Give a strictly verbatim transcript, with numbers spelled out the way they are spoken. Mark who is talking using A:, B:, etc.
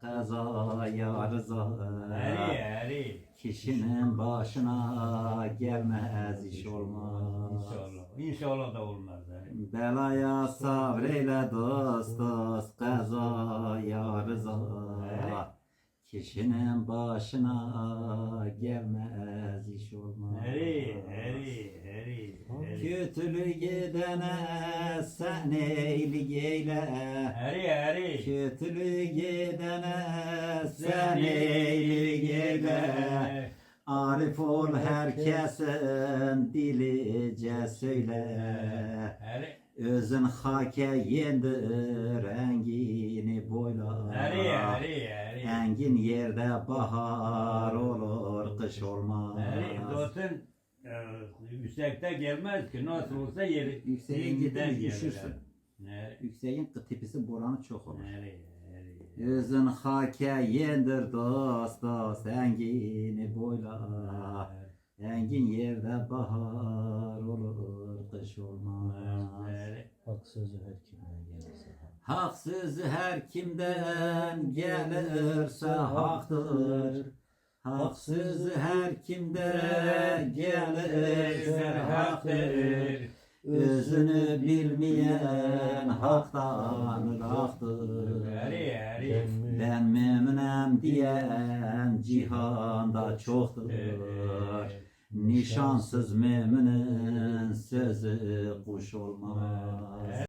A: kazaya rıza.
B: Eri eri.
A: Kişinin başına gelmez iş olmaz.
B: İnşallah. İnşallah da olmaz. Eri.
A: Belaya sabreyle dost dost kazaya rıza. Kişinin başına gelmez iş olmaz.
B: Eri eri eri. eri.
A: Kötülük edene sen eylik eyle.
B: Eri eri.
A: Kötülük edene sen eylik eyle. Arif ol herkesin dilice söyle.
B: Eri.
A: Özün hake yendir engini boyla.
B: Eri eri eri.
A: Engin yerde bahar olur kış olmaz.
B: Eri zaten e, yüksekte gelmez ki nasıl olsa yeri
A: Yükseğe
B: yeniden
A: gidip
B: gelir.
A: düşürsün.
B: Eri
A: Yükseğin tepesi boranı çok olur.
B: eri eri.
A: Özün hake yendir dost dost engini boyla. Engin yerde bahar olur kış olmaz.
B: Eri.
C: Hak sözü her kimden gelirse.
A: Hak sözü her kimden gelirse haktır. Hak sözü her kimden gelirse haktır. Özünü bilmeyen haktan rahattır.
B: Eri eri.
A: Ben memnunum diyen cihanda çoktur. Nişansız memnunun sözü kuş olmaz.